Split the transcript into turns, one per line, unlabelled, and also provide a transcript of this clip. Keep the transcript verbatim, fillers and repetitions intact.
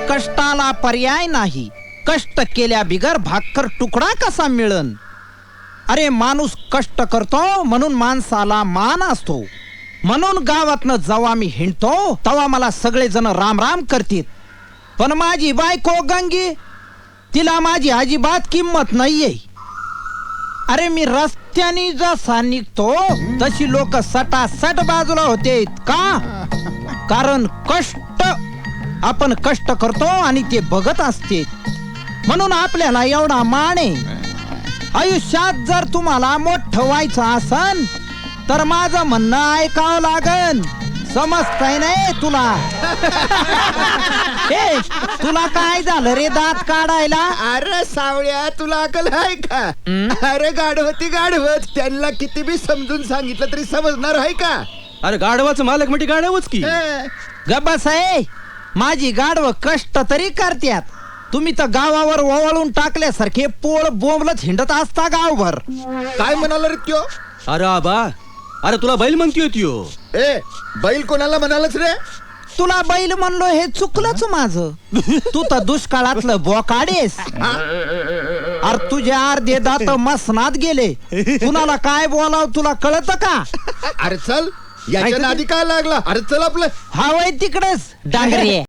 कष्टाला पर्याय नाही, कष्ट केल्या बिगर भाकर तुकडा कसा मिळन. अरे माणूस कष्ट करतो म्हणून माणसाला मान असतो. म्हणून गावातनं जेव्हा मी हिंडतो तेव्हा मला सगळेजण राम राम करतील. पण माझी बायको गंगी, तिला माझी अजिबात किंमत नाहीये. अरे मी रस्त्याने जसा निघतो तशी लोक सटासट बाजूला होते. का? कारण कष्ट, आपण कष्ट करतो आणि ते बघत असते म्हणून आपल्याला एवढा मान आहे. आयुष्यात जर तुम्हाला मोठं व्हायचं असन तर माझं म्हणणं ऐकावं लागन. समजतंय नाही तुला? ए, तुला काय झालं रे दात काढायला?
अरे सावळ्या, तुला अकल आहे का? अरे गाढवती गाढवत, त्यांना किती बी समजून सांगितलं तरी समजणार आहे का?
अरे गाढवाचं मालक म्हणजे गाढवच की.
गब्बास आहे, माझी गाढव कष्ट तरी करत्यात. तुम्ही तर गावावर ओवाळून टाकल्यासारखे पोळ बोंबलत हिंडत असता गावभर.
काय म्हणाला रे त्यो?
अरे आबा, अरे तुला बैल म्हणतोय त्यो.
ए, बैल कोणाला म्हणालच रे?
तुला बैल म्हणलो हे चुकलंच माझं. तू तर दुष्काळातलं बोकाडेस. अरे तुझे अर्धे दात मसनात गेले. कुणाला काय बोलाव तुला कळत का?
अरे चल, याच्या नादी काय लागला? अरे चल आपलं.
हा वय तिकडेच डांगरे.